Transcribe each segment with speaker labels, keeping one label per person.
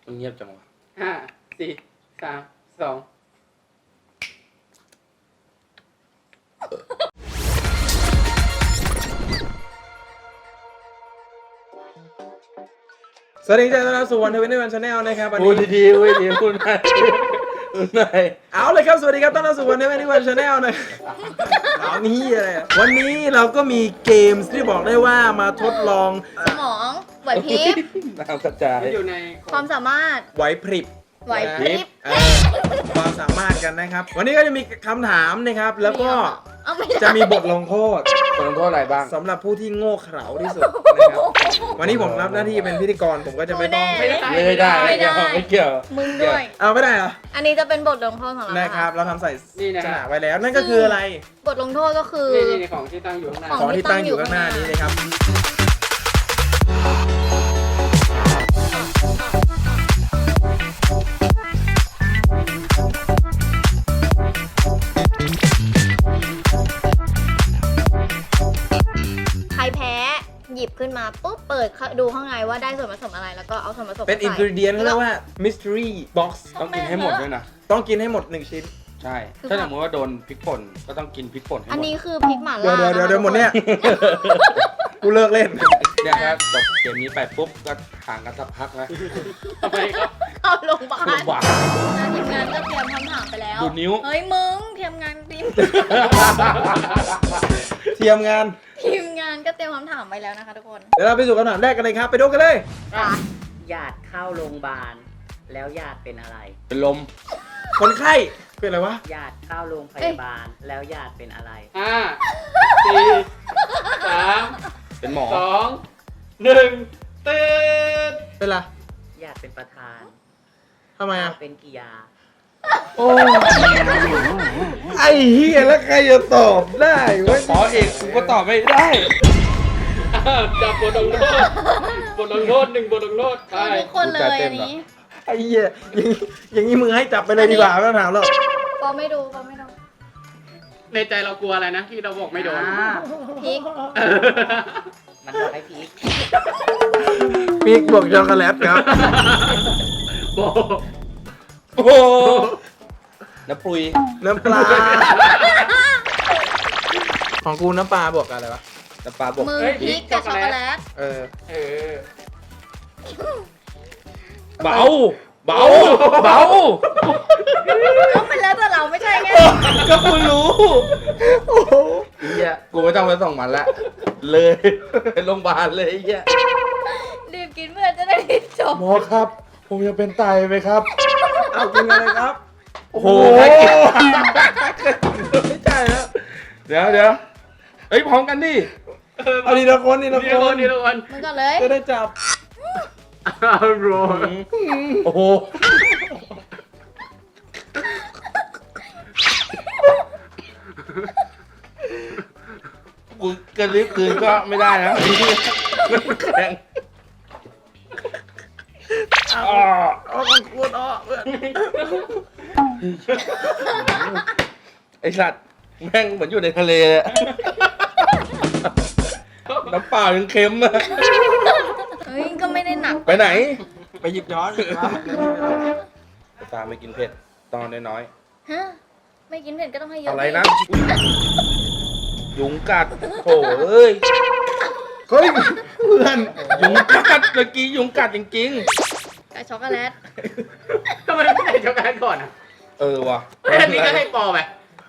Speaker 1: มันเงียบจังวะ
Speaker 2: 5 4 3 2
Speaker 3: สวัสดีจ้าต้อนรับสู่วันเทวินในวันชาแนลนะครับวัน
Speaker 1: พูด
Speaker 3: นี้
Speaker 1: ดีๆพูดดีพูดหน่อยพูดหน่อย
Speaker 3: เอาเลยครับสวัสดีครับต้อนรับสู่วันเทวินในวันชาแนลนะเอานี่อะไรอะวันนี้เราก็มีเกมที่บอกได้ว่ามาทดลอง
Speaker 4: สมองไหวพริบ
Speaker 1: น้ำกระจาย
Speaker 2: อยู่ใน
Speaker 4: ความสามารถ
Speaker 3: ไหวพริบ
Speaker 4: ไหวพริบ
Speaker 3: ความสามารถกันนะครับ วันนี้ก็จะมีคำถามนะครับ แล้วก็
Speaker 4: เอาไม่ได้
Speaker 3: จะมีบทลงโทษ
Speaker 1: คนลงโทษอะไรบ้าง
Speaker 3: สำหรับผู้ที่โง่เขลาที่สุดนะครับวันนี้ผมรับหน้าที่เป็นพิธีกรผมก็จะไม่ต้อง
Speaker 2: ไม่ได้
Speaker 1: ไม่ได้ไม่เกี่ยวไม่เกี่ยว
Speaker 4: มึงด้วย
Speaker 3: เอาไม่ได้เหรอ
Speaker 4: อันนี้จะเป็นบทลงโทษของเรา
Speaker 3: นะครับ เราทำใส่
Speaker 2: นี่นะ
Speaker 3: ฉ
Speaker 2: ฮะ
Speaker 3: ลากไว้แล้วนั่นก็คืออะไร
Speaker 4: บทลงโทษก็คือ
Speaker 2: นี่ของที่ตั้งอยู่ข้างหน้า
Speaker 3: ของที่ตั้งอยู่ข้างหน้านี้นะครับ
Speaker 4: ใครแพ้หยิบขึ้นมาปุ๊บเปิดดูข้างในว่าได้ส่วนผสมอะไรแล้วก็เอาส่วนผสม
Speaker 3: เป็น
Speaker 4: ใส่
Speaker 3: อินกิเดียนเขาเรียกว่า mystery box
Speaker 1: ต้องกินให้หมดด้วยนะ
Speaker 3: ต้องกินให้หมด1ชิ้น
Speaker 1: ใช่ ถ้าสมมติว่าโดนพริกป่นก็ต้องกินพริกป่นให้หมด
Speaker 4: อันนี้คือพริกหม่า
Speaker 3: เดี๋ยว
Speaker 4: ล่า
Speaker 3: เดี๋ยวหมดเนี่ย กูเลิกเล่น
Speaker 1: เนี่ยครับจบเกมนี้ไปปุ๊บก็ห่างกันสักพักนะ
Speaker 2: ทำไมครับ
Speaker 4: เข้าโรงพยาบาล
Speaker 1: หวาน
Speaker 4: ทีมงานก็เตรียมคำถามไปแล้ว
Speaker 1: ดูนิ้ว
Speaker 4: เฮ้ยมึงทีมงานทีม
Speaker 3: เทียมงาน
Speaker 4: ทีมงานก็เตรียมคำถามไปแล้วนะคะทุกคน
Speaker 3: เดี๋ยวเราไปสู่คำถามแรกกันเลยครับ ไปดูกันเลย
Speaker 5: ญาติเข้าโรงพยาบาลแล้วญาติเป็นอะไร
Speaker 1: เป็นลม
Speaker 3: คนไข้เป็นอะไรวะ
Speaker 5: ญาติเข้าโรงพยาบาลแล้วญาติเป็นอะไร
Speaker 2: 5 4 3
Speaker 1: เป็นหมอ
Speaker 2: 2 1ตื่น
Speaker 3: เป็นไร
Speaker 5: ญาติเป็นประธาน
Speaker 3: ทำไมอ่ะ
Speaker 5: เป็นกิยา
Speaker 3: โอ้ไอ้เฮียแล้วใครจะตอบได้วะ
Speaker 1: หมอเอกกูก็ตอบไม่ได้
Speaker 2: จับบทลงโทษบทลงโทษ1บทลงโทษไป
Speaker 4: ทุกคนเลยอันนี้
Speaker 3: ไอ้เหี้ยอย่างนี้มือให้จับไปเลยดีกว่าไม่ต้องถามหรอก
Speaker 4: ปอไม่ดูปอไม่ดู
Speaker 2: ในใจเรากลัวอะไรนะที่เราบอกไม่โดน
Speaker 4: พริก
Speaker 5: มันบอกให้พีก
Speaker 3: ปีกบวกช็อกโกแลตครับ
Speaker 2: โบ
Speaker 1: โอ้โหน้ำปุย
Speaker 3: น้ำปลา ของกูน้ำปลาบวกกับอะไรวะ
Speaker 1: น้ำปลาบก
Speaker 4: มือพริกกับช็อกโกแลต
Speaker 3: เออ
Speaker 2: เออ
Speaker 1: เบา เบา เบา
Speaker 4: ก็เป็นแล้วแต่เราไม่ใช่ไง
Speaker 1: ก็กูรู้ไอ้เหี้ยกูไม่ต้องไปส่งมันละ เลยไปโรงพยาบาลเลยไอ้เหี้ย
Speaker 4: รีบกินเพื่อจะได้จบ
Speaker 1: หมอครับ ผมจะเป็นไตไหมครับ
Speaker 3: เอากินอะไรครับ
Speaker 1: โอ้โหน่ากินไม่ใช่แล้วเดี๋ยวเอ้ยพร้อมกันดิ
Speaker 3: เอาดีละคนดีละ
Speaker 2: นี่
Speaker 3: ค
Speaker 2: ละคน
Speaker 3: น
Speaker 2: นี่ละคน
Speaker 4: มึงก่อนเลย
Speaker 3: จะได้จับ
Speaker 2: เอาโรย
Speaker 1: โอ้โหกูกระลิบคืนก็ไม่ได้นะมันแข็งอ้อ
Speaker 3: เอาของกูต่อเพื่อน
Speaker 1: ไอสัตว์แม่งเหมือนอยู่ในทะเลเลยอะน้ำเปล่ายังเค็มอะ
Speaker 4: เฮ้ยก็ไม่ได้หนัก
Speaker 1: ไปไหน
Speaker 3: ไปหยิบย้อน
Speaker 1: ตาไม่กินเผ็ดตอนน้อย
Speaker 4: ฮะไม่กินเผ็ดก็ต้องให้เย
Speaker 1: ๆ
Speaker 4: อะ
Speaker 1: อะไรนะ ยุงกัดโถ่เอ้ย
Speaker 3: เฮ้ยเพื่อน
Speaker 1: ยุงกัดเมื่อกี้ยุงกัดจริง
Speaker 4: กับช็อกโกแลต
Speaker 2: ทำไมไม่ใส่ช็อกโกแลตก่อนอ่ะ
Speaker 1: ๆ เออว่ะ
Speaker 2: อันนี้ก็ให้ปอไป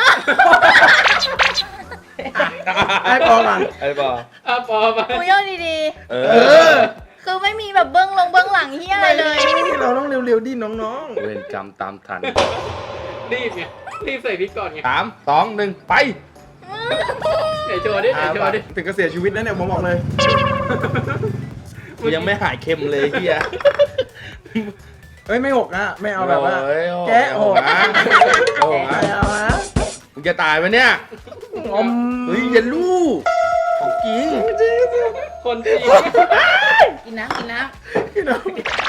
Speaker 3: ให้พอก่อน
Speaker 1: ไอ้บอ
Speaker 2: ปอไป
Speaker 4: กูย่อดี
Speaker 1: เอ
Speaker 3: เอ
Speaker 1: อ
Speaker 3: อ
Speaker 4: ๆ คือไม่มีแบบเบื้องหลังที่อะไรเลย
Speaker 3: เราต้องเร็วๆดิน้อง
Speaker 1: เวรกรรมตามทัน
Speaker 2: รีบไงรีบใส่พริกก่อนไง
Speaker 1: 3 2 1 ไป
Speaker 2: ไหนโชว์ดิ
Speaker 3: ๆ
Speaker 2: ไหนโชว์ดิ
Speaker 3: ถึงก็เสียชีวิตแล้วเนี่ยผมบอกเลย
Speaker 1: กูยังไม่หายเค็มเลยเฮีย
Speaker 3: เฮ้ยไม่หกนะไม่เอาแบบว่า
Speaker 1: โอ้ย
Speaker 3: แกะหก
Speaker 1: นะโอ้
Speaker 3: ไม่
Speaker 1: ย
Speaker 3: เอานะ
Speaker 1: มึงจะตายไหมเนี่ย
Speaker 3: อม
Speaker 1: เฮ้ยอย่าลูกของจริง
Speaker 2: คนจริง
Speaker 4: กินน้ำกินน้
Speaker 3: พี่น้อง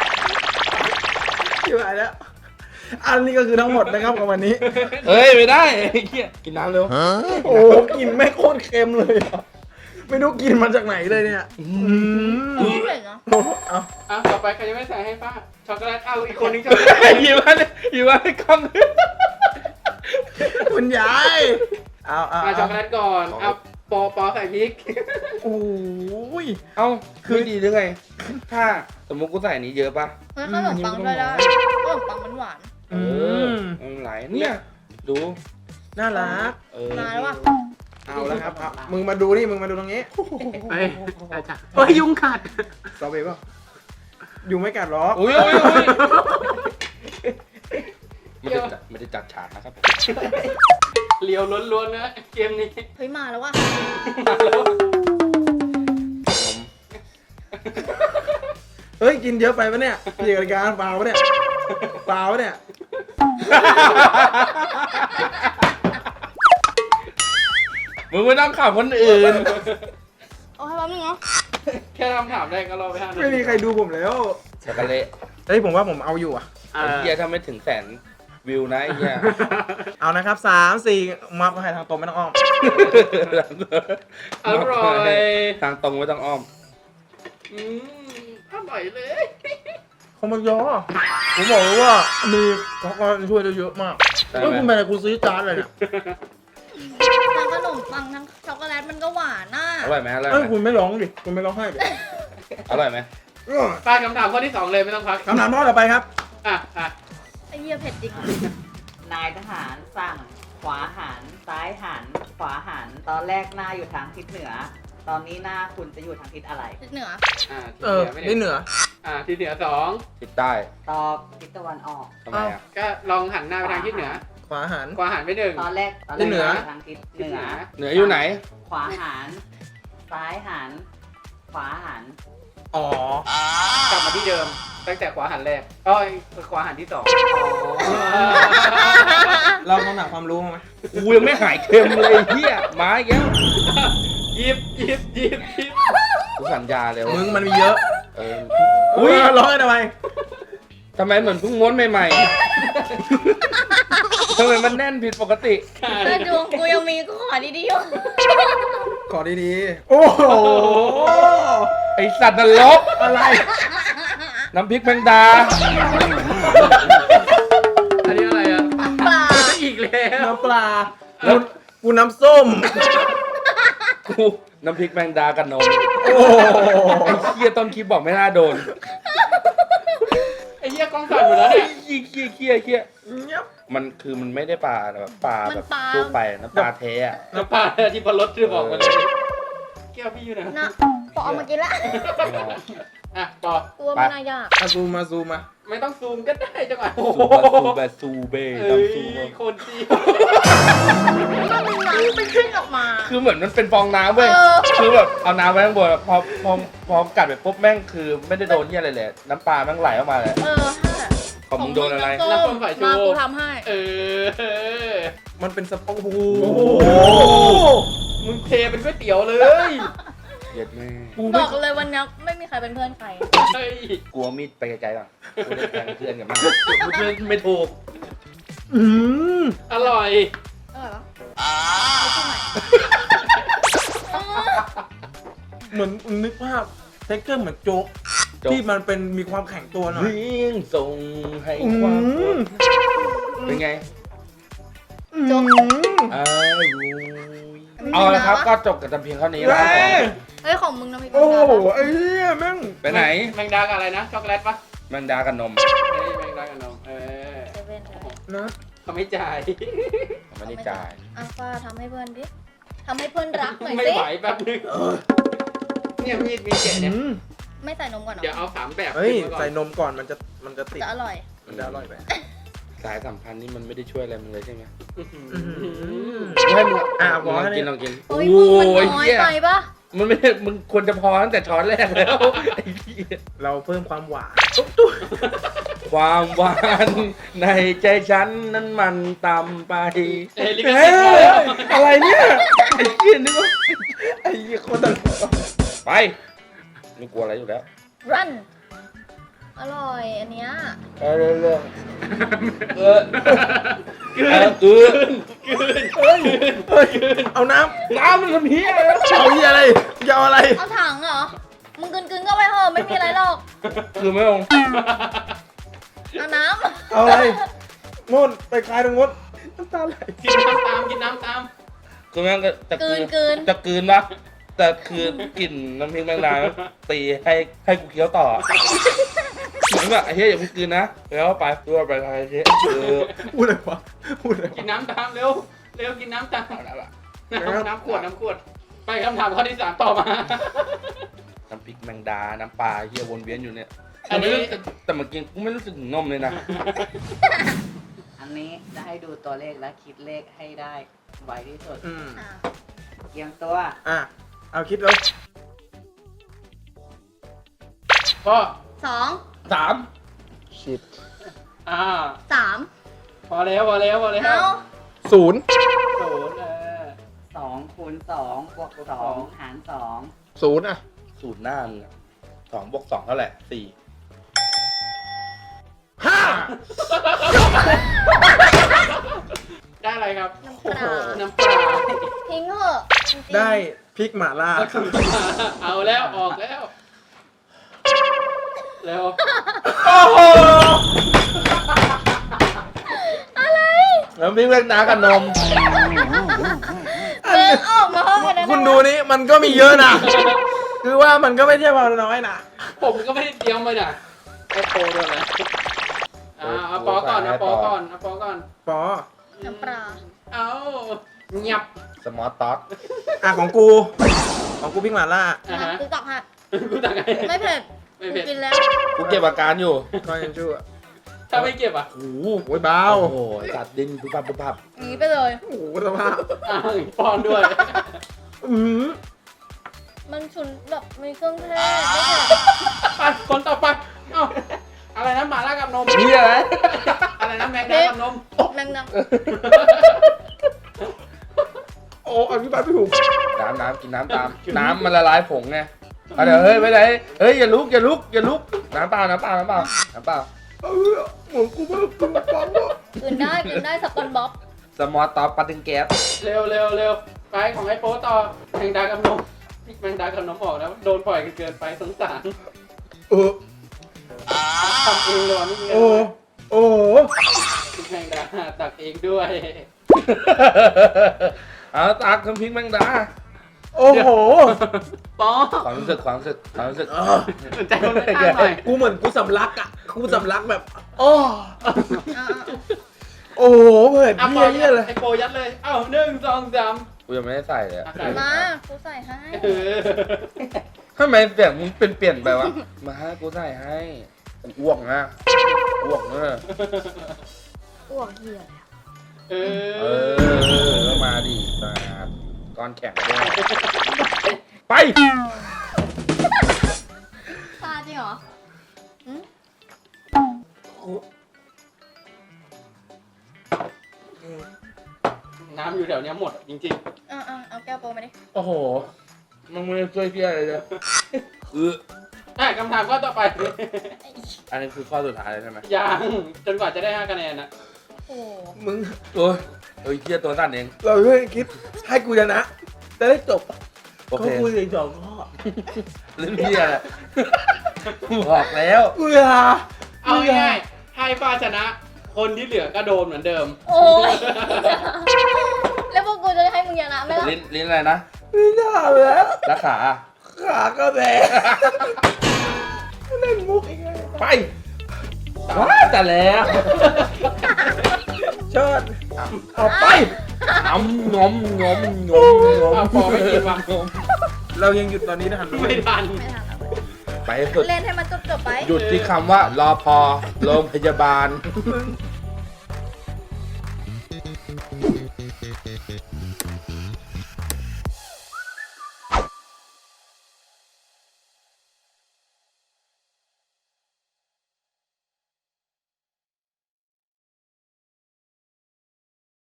Speaker 3: อยู่ไหนแล้ว อันนี้ก็คือทั้งหมดนะครับของวันนี้
Speaker 1: เฮ้ยไม่ได้ไอ้เหี้ยกินน้ำเร็ว
Speaker 3: โอ้กลินแม่งโคตรเค็มเลยอะไม่รู้กินมาจากไหนเลยเนี่ย
Speaker 4: ำไม่เผ็ดเนาะ
Speaker 3: เอา
Speaker 2: ต่อไปใครยังไม่ใส่ให้ป้าช็อกโกแลตเอาอีกคนนึงช็อกโกแลต
Speaker 1: หยิบมาเลยหยิบมาให้กล้อง
Speaker 3: คุณยายเอา
Speaker 2: เอาช็อกโกแลตก่อนเอาปอใส่พริก
Speaker 3: โอ้ย
Speaker 1: เอ้าคือดีหรือไง ถ้าสมมติกูใส่อันนี้เยอะปะ
Speaker 4: เฮ้ยขนมปังด้วยได้ขนมปังมันหวาน
Speaker 3: อืม
Speaker 1: มันไหลเนี่ยดู
Speaker 3: น่ารัก
Speaker 4: มาแล้วว่ะ
Speaker 3: เอาแล้วครับเอามึงมาดูนี่มึงมาดูตรงนี้
Speaker 2: เฮ้ยอาจารย์เฮ้ยยุงกัด
Speaker 3: สตรอเบอรี่ป่ะอยู่ไม่กัดหรอก
Speaker 1: อุ้ยไม่ได้จัดฉากนะครับ
Speaker 2: เลียวล้วนๆนะเกมนี้
Speaker 4: เฮ้ยมาแล้วว่ะ
Speaker 2: มาแล้ว
Speaker 3: เฮ้ยกินเยอะไปปะเนี่ยพี่กติการเปล่าปะเนี่ยเปล่าปะเนี่ย
Speaker 1: มึงไม่ต้องขับคนอื่น
Speaker 4: เอาให้แป๊บนึงเนาะ
Speaker 2: แค่คำถามแรกก็รอไป5 นาที
Speaker 3: ไม่มีใครดูผมแล้ว
Speaker 1: ช็อกโกแลต
Speaker 3: เฮ้ยผมว่าผมเอาอยู่อ่ะ
Speaker 2: อ่
Speaker 1: ไอ้เหี้ยถ้าไม่ถึง100,000 วิวนะไอ้เหี้ย
Speaker 3: เอานะครับ3-4มาให้ทางตรงไม่ต้องอ้อม
Speaker 2: อร่อย
Speaker 1: ทางตรงไม่ต้องอ้อม
Speaker 2: อร่อยเลย
Speaker 3: เขามันยอผมบอกเลยว่ามีเขาก็ช่วยได้เยอะมาก
Speaker 1: ใช่ไหม
Speaker 3: เฮ้ยคุณไปไหนคุณซื้อจานอะไรเนี่ย
Speaker 4: ทั้งขนมปังทั้งช็อกโกแลตมันก็หวานน่ะ
Speaker 1: อร่อยไหมอร่อย
Speaker 3: เอ้ย
Speaker 1: ไหม
Speaker 3: คุณไม่ร้องดิคุณไม่ร้องไห้ดิ
Speaker 1: อร่อยไหม
Speaker 2: ไปคำถามข้อที่ 2 เลยไม่ต้องพัก
Speaker 3: คำถามข้อต่อไปครับ
Speaker 2: อ่ะ
Speaker 4: ไอ้เหี้ยเผ็ดจริง
Speaker 5: นายทหารสั่งขวาหัน ซ้ายหัน ขวาหัน ตอนแรกหน้าอยู่ทางทิศเหนือ ตอนนี้หน้าคุณจะอยู่ทางทิศอะไร
Speaker 4: ทิศเหนือ
Speaker 3: นี่เหนือ
Speaker 2: ทิศเหนือ
Speaker 1: ติดใต้
Speaker 5: ตอบทิศตะวันออก
Speaker 1: ทำไมอ่ะ
Speaker 2: 2ก็ลองหันหน้าไปทางทิศเหนือ
Speaker 3: ขวาหัน
Speaker 2: ขวาหันไป1
Speaker 5: ตอนแรก
Speaker 3: ทิศเหนือ
Speaker 5: ทางทิศเหนือ
Speaker 1: เหนืออยู่ไหน
Speaker 5: ขวาหัน ซ้ายหัน ขวาหัน
Speaker 3: อ๋อ
Speaker 2: กลับมาที่เดิม ตั้งแต่ขวาหันแรกอ้อยขวาหันที่ 2
Speaker 3: เราคำถามความรู้มาไหม
Speaker 1: กูยังไม่หายเค็มเลยเหี้ยมาอีกแล้ว
Speaker 2: หยิบ
Speaker 1: กูสัญญาเลย
Speaker 3: มึงมันมีเยอะ
Speaker 1: เออ
Speaker 3: อุ้ยร้องกันทำไม
Speaker 1: ทำไมเหมือนเพิ่งม้วนใหม่ๆทำไมมันแน่นผิดปกติ
Speaker 4: ถ้าดวงกูยังมีก็ขอดีๆอยู่
Speaker 3: ขอดีๆ โอ้โห
Speaker 1: ไอสัตว์นรก
Speaker 3: อะไร
Speaker 1: น้ำพริกแมงดา
Speaker 2: อันนี้อะไรอ่ะ
Speaker 4: ปลา
Speaker 2: อีกแล้ว
Speaker 3: น้ำปลากูน้ำส้ม
Speaker 1: กูน้ำพริกแมงดากับนม
Speaker 3: โอ้โห
Speaker 1: ไอ้เคียต้นคลิปบอกไม่น่าโดน
Speaker 2: ไอ้เหี้ยกล้องสั่นหมดแล้วเนี่ย
Speaker 1: เคียมันคือมันไม่ได้ปลาแบบปลาแบบทั่วไปนะปลาแท้อะ
Speaker 2: น้ำปลาที่พลดที่บอกมาเลยแก้วพี่อยู่ไหน
Speaker 4: นะพอเอามากินละ
Speaker 2: อ่ะต่อ
Speaker 4: ตัวมันน่ายาก
Speaker 3: มาซูมมา
Speaker 2: ไม่ต้องซูมก็ได้จังหวะ
Speaker 1: ซูเบ
Speaker 2: เอ้ย
Speaker 1: ทำซูเบ
Speaker 2: คนจีน
Speaker 4: มันมีน้ำเป็นขึ้นออกมา
Speaker 1: คือเหมือนมันเป็นฟองน้ำเว้ย
Speaker 4: เออ
Speaker 1: คือแบบเอาน้ำไว้ข้างบนอะพอกัดไปปุ๊บแม่งคือไม่ได้โดนเหี้ยอะไรเลย น้ำปลาแม่งไหลออกมาเลย
Speaker 4: เออใช่
Speaker 1: ของมึงโดนอะไร
Speaker 4: น้ำส้มมากูทำให้
Speaker 2: เออ
Speaker 3: มันเป็นสปองโอ้โห
Speaker 2: มึงเทเป็นก๋วยเตี๋ยวเลย
Speaker 1: เย็ดแม่
Speaker 4: บอกเลยวันนี้ไม่มีใครเป็นเพื่อนใคร
Speaker 2: เฮ้ย
Speaker 1: กลัวมีดไปไกลๆป่ะกูได้แทงเพื่อนกันมากกูเพื่อนไม่ถูก
Speaker 3: อืม
Speaker 2: อร่อย
Speaker 4: อร่อยปะไม่ใช่ใหม่
Speaker 3: เหมือนนึกภาพเทคเกอร์เหมือนโจ๊ก
Speaker 1: โจ๊ก
Speaker 3: ที่มันเป็นมีความแข็งตัวหน่อย
Speaker 1: วิ่งส่งให้
Speaker 3: อื
Speaker 1: ความ
Speaker 3: ม
Speaker 1: เป็นไง
Speaker 3: โจ๊ก
Speaker 1: เอาละครับก็จบกันแต่เพียงเท่านี้แล้ว
Speaker 3: เฮ้ย
Speaker 4: เฮ้ยของมึงนะพี่
Speaker 3: โอ้โหไอ้เหี้ยแม่ง
Speaker 1: ไปไหน
Speaker 2: แมงดากับอะไรนะ ช็อกโกแลตปะ
Speaker 1: แมงดากับนม
Speaker 2: เฮ้ยแมงดากับนมเออ
Speaker 4: เซเว่นเลย
Speaker 3: นะ
Speaker 2: เขาไม่จ่าย
Speaker 1: ไม่ได้จ่าย
Speaker 4: อ่ะป้าทำให้เพื่อนดิทำให้เพื่อนรักหน่อย
Speaker 2: ไม่
Speaker 4: สิ
Speaker 2: ไหวแป๊บนึงเนี่ยมีดมีแกะเนี่ย
Speaker 3: อืม
Speaker 4: ไม่ใส่นมก่อนเหร
Speaker 2: เดี๋ยว
Speaker 4: อ
Speaker 2: เอา3 แบบ
Speaker 3: เฮ้ย
Speaker 2: ขึ้นมาก่อน
Speaker 3: ใส่นมก่อนมันจะติด
Speaker 4: จะอร่อย
Speaker 3: มันจะอร่อยไป
Speaker 1: สายสัมพันธ์นี่มันไม่ได้ช่วยอะไรมึงเลยใช่ไหม
Speaker 2: อื้อหือ
Speaker 1: ให้มึง
Speaker 3: พอ
Speaker 1: ลอง
Speaker 3: แค่
Speaker 1: กิ
Speaker 3: นี้
Speaker 1: นลองกิน
Speaker 4: เฮ้ยมึงมันน้อย
Speaker 1: เหี้ย
Speaker 4: ไปปะ
Speaker 1: มันไม่ได้มึงควรจะพอตั้งแต่ช้อนแรกแล้วไอ้เหี้ย
Speaker 3: เราเพิ่มความหวาน
Speaker 1: ความหวานในใจฉันนั้นมันต่ำไป
Speaker 2: เอ้ยลิข
Speaker 3: เฮ้
Speaker 2: สิทธิ์มาแล้ว
Speaker 3: ยอะไรเนี่ยไอ้เหี้ยนึกว่าไอ้เหี้ยโคนตลก
Speaker 1: ไปไม่กลัวอะไรอยู่แล้ว
Speaker 4: รันอร่อยอันเนี้ย
Speaker 1: เรื่องเออ
Speaker 3: เฮ้ยเอาน้
Speaker 1: น้ำมันทำเฮีย
Speaker 3: ำเอาเหี้ยอะไรจะเอาอะไร
Speaker 4: เอาถังเหรอมึงกึนๆก็ไปเถอะไม่มีอะไรหรอก
Speaker 1: คือไม่ลง
Speaker 4: น้
Speaker 3: เอาอะไรนู่นไปคลายตรงนู้นน้ำตาไหล
Speaker 2: กินน้ำตามกินน้ำตาม
Speaker 1: คือแม่งก็จะ
Speaker 4: ำกลืน
Speaker 1: จะกลืนปะแต่คือกลิ่นน้ำพริกแมงดาตีให้กูเคี้ยวต่อเหมือนแบบไอ้เหี้ยอย่าเพิ่งกลืนนะแล้วไปตัวไปอะไรเหี้ย
Speaker 3: พูดอะไรวะพูดอะไร
Speaker 2: กิน
Speaker 3: วะ
Speaker 2: น้ำตามเร็วเร็วกินน้ำตาม
Speaker 1: เอาละ
Speaker 2: น้ำขวดไปคำถามข้อที่ 3ต่อมา
Speaker 1: น้ำพริกแมงดาน้ำปลาเหี้ยวนเวียนอยู่เนี่ย
Speaker 2: อันนี้
Speaker 1: แต่เมื่อกี้กูไม่รู้สึกถึงนมเลยนะ
Speaker 5: อันนี้จะให้ดูตัวเลขและคิดเลขให้ได้ไวที่สุด
Speaker 4: อ่ะ
Speaker 5: เตรียมตัว
Speaker 3: อ่ะเอาคิดแล้ว
Speaker 2: ก็
Speaker 4: 2
Speaker 1: 3
Speaker 3: ชิด
Speaker 4: 3
Speaker 2: พอแล้ว
Speaker 4: เอา
Speaker 3: 0
Speaker 2: โดน
Speaker 5: 2คูณ2บวก2หาร2
Speaker 3: 0อ่ะ
Speaker 1: สูตรหน้ามึงอะ2 บวก 2 เท่าไหร่
Speaker 2: ได้อะไรครับ
Speaker 4: น้ำปลา
Speaker 2: น้ำปลา
Speaker 4: ทิ้งเถอะจริงๆ
Speaker 3: ได้พริกหม่าล่า
Speaker 2: เอาแล้วออกแล้วเร็ว
Speaker 1: 4น้ำพริกแมงดากับนม
Speaker 4: เดินออกมาห้องกันนะ
Speaker 3: คุณดูนี่มันก็มีเยอะนะ คือว่ามันก็ไม่ใช่ว่าน้อยนะ
Speaker 2: ผมก็ไม่ได้เตรียมไปน่ะไอ้โปรด้วยนะเอาปอก่อนเอาปอก่อนเอาปอก่อน
Speaker 3: ปอ
Speaker 4: น้ำปลา
Speaker 2: เอาเงียบ
Speaker 1: สมอลต็อก
Speaker 3: อ่ะของกูพริกหม่าล่า
Speaker 2: ฮะ
Speaker 4: ติ๊กต็อกฮะ
Speaker 2: กูตักไง
Speaker 4: ไม่เผ็ด
Speaker 2: ไม่เผ็ด
Speaker 4: กินแล้ว
Speaker 1: กูเก็บอาการอยู่
Speaker 3: ก็ยังชั่ว
Speaker 2: ถ้าไม่เก็บอ่ะ
Speaker 1: โอ้โห
Speaker 3: โอ้ยเบา
Speaker 1: โอ้โหตัดดินปุ๊บปั๊บปุ๊บปั๊บ
Speaker 4: หนีไปเลย
Speaker 3: โอ้โหสภาพ
Speaker 2: อ้าวปอนด้วย
Speaker 3: อือ
Speaker 4: มันฉุนแบบมีเครื่องเทศไม่เผ็ด
Speaker 2: ไปคนต่อไปเอ้าอะไรนะหมาล่ากับนม
Speaker 1: นี่อะไร
Speaker 2: อะไรนะแมงดากับนม
Speaker 4: แมงดา
Speaker 3: โอ้อธิบายไม่ถูก
Speaker 1: น้ำกินน้ำตาม น้ำมันละลายผงไงเอาเดี๋ยวเฮ้ยไปไหนเฮ้ยอย่าลุกน้ำเปล่าน้ำเปล่า
Speaker 3: เหมือนกูไม่รู้ตัวฟังวะ
Speaker 4: กินได้สปอนบ๊อบ
Speaker 1: สมอลต็อกปาติงแก๊ส
Speaker 2: เร็วไปของไอ้โป๊ต่อแมงดากับนมแมงดากับนมออกแล้วโดนปล่อยเกินไปสงสาร
Speaker 3: เออ
Speaker 2: ทำเองเลยว่ะไม่มีเงิน
Speaker 3: โอ้โอ้
Speaker 2: แมงดาตักเองด้วย
Speaker 1: เอาตักน้ำพริกแมงดา
Speaker 3: โอ้โห
Speaker 2: ปอ
Speaker 1: ความรู้สึก
Speaker 2: สนใจคนข้างๆหน่อย
Speaker 3: กูเหมือนกูสำลักอ่ะ กูสำลักแบบ
Speaker 1: โอ้
Speaker 4: อ่ะ
Speaker 3: โอ้โหเผ็ด
Speaker 2: อ่ะ
Speaker 3: เพี้ยเยี่ยเลย
Speaker 2: ไอ้โปยัดเลย เอ้า1 2 3
Speaker 1: กูยังไม่ได้ใส่เลยอะ
Speaker 4: มากูใส่ให้
Speaker 2: เออ
Speaker 1: ทำไมเสียงมึงเปลี่ยนไปวะมาให้กูใส่ให้กูอ้วกนะอ้วกเนอะ
Speaker 4: อ้วกเหี้ย
Speaker 2: เอ
Speaker 1: เอ
Speaker 2: อ
Speaker 1: อแล้วมาดิสาดก้อนแข็งด้วยไป
Speaker 4: ซาจริงเหรอ
Speaker 2: น้ำอยู่แถวเนี้ยหมดจริง
Speaker 4: เอาแก้วโปรมาดิ
Speaker 1: โอ้โหมึงไม่ได้ช่วยเพี้ยอะไรเลย
Speaker 2: ๆคำถามข้อต่อไป
Speaker 1: อันนี้คือข้อสุดท้ายเลยใช่ไหม
Speaker 2: ยังจนกว่าจะได้5คะแนนนะ
Speaker 4: โอ้โห
Speaker 3: มึง
Speaker 1: โอ้ยเฮ้ยเพี้ยตัวสั้นเอง
Speaker 3: เราช่วยคิดให้กูชนะจะได้จบ
Speaker 1: โอเค
Speaker 3: เขาคุยอีกสองข้อ
Speaker 1: เรื่องเพี้ยแหละบอกแล้ว
Speaker 3: กูอย่า
Speaker 2: เอาง่ายๆให้ฟ้าชนะ คนที่เหลือก็โดนเหมือนเดิม
Speaker 4: โอ้ยแล้วพวกกูจะให้มึงชนะไหมล่ะ
Speaker 1: ลิ้นอะไรนะ
Speaker 3: ไม่ได้แล้ว
Speaker 1: แล้วขา
Speaker 3: ขาก็แดงเล่นมุกอีกแล้ว
Speaker 1: ไปว้าแต่แล้ว
Speaker 3: เชิดเอาไป
Speaker 1: งอม
Speaker 2: เอาพอไม่กินว่ะ
Speaker 3: เรายังหยุดตอนนี้ทันไหม
Speaker 2: ไม่ทัน
Speaker 4: ไม่ทันแล้ว
Speaker 1: ไปให้สุด
Speaker 4: เล่นให้มันจบๆไป
Speaker 1: หยุดที่คำว่ารอพอโรงพยาบาล